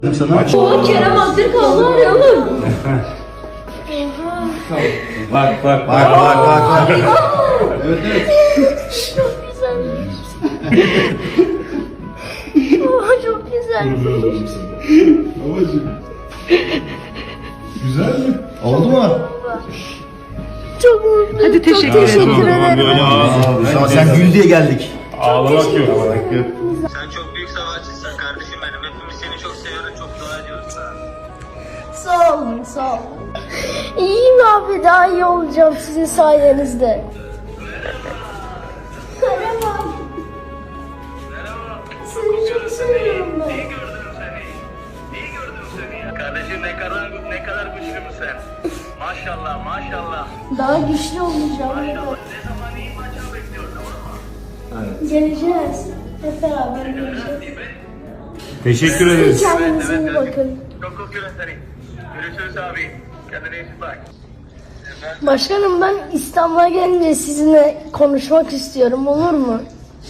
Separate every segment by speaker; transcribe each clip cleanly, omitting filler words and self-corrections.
Speaker 1: O Kerem Aktürkoğlu arayalım.
Speaker 2: Bak.
Speaker 1: Çok güzelmiş. Oha çok güzelmiş.
Speaker 3: Güzel mi? Oldu mu?
Speaker 1: Çok mutluyum.
Speaker 4: Hadi teşekkür
Speaker 1: Çok teşekkür
Speaker 4: ederim.
Speaker 1: ederim.
Speaker 3: Sen gül diye geldik.
Speaker 2: Ağlamak yok.
Speaker 5: Sen çok büyük savaşçısın kardeşim benim. Hepimiz seni çok seviyoruz, çok dua ediyoruz sana.
Speaker 1: Sağ olun, sağ olun. İyiyim abi, daha iyi olacağım sizin sayenizde. Merhaba. Seni çok seviyorum ben.
Speaker 5: İyi gördüm seni. İyi gördüm seni. Kardeşim ne kadar güçlü sen. Maşallah, maşallah.
Speaker 1: Daha güçlü olacağım.
Speaker 5: Ne zaman iyi maçı bekliyoruz ama.
Speaker 1: Geleceğiz. Hep beraber geleceğiz.
Speaker 2: Teşekkür ederiz.
Speaker 1: Kendinize iyi bakın.
Speaker 5: Çok öpüyorum seni. Görüşürüz abi. Kendine iyi bak.
Speaker 1: Başkanım, ben İstanbul'a gelince sizinle konuşmak istiyorum, olur mu?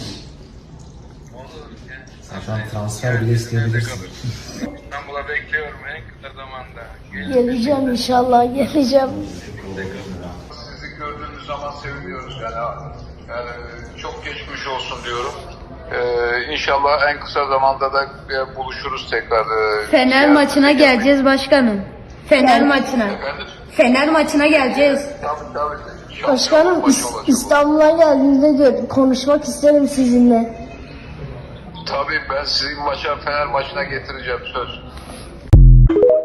Speaker 3: Zaten transfer bile isteyebilirsin.
Speaker 5: İstanbul'a bekliyorum en kısa zamanda.
Speaker 1: Geleceğim inşallah, geleceğim.
Speaker 6: Sizi gördüğümüz zaman seviniyoruz yani çok geçmiş olsun diyorum. İnşallah en kısa zamanda da buluşuruz tekrar.
Speaker 7: Fener maçına geleceğiz başkanım. Fener maçına.
Speaker 6: Efendim?
Speaker 7: Fener maçına geleceğiz.
Speaker 6: Tabii. İnşallah
Speaker 1: Başkanım,
Speaker 6: maçı olacak.
Speaker 1: İstanbul'a geldiğimde konuşmak isterim sizinle.
Speaker 6: Tabii ben sizi Fener maçına getireceğim söz.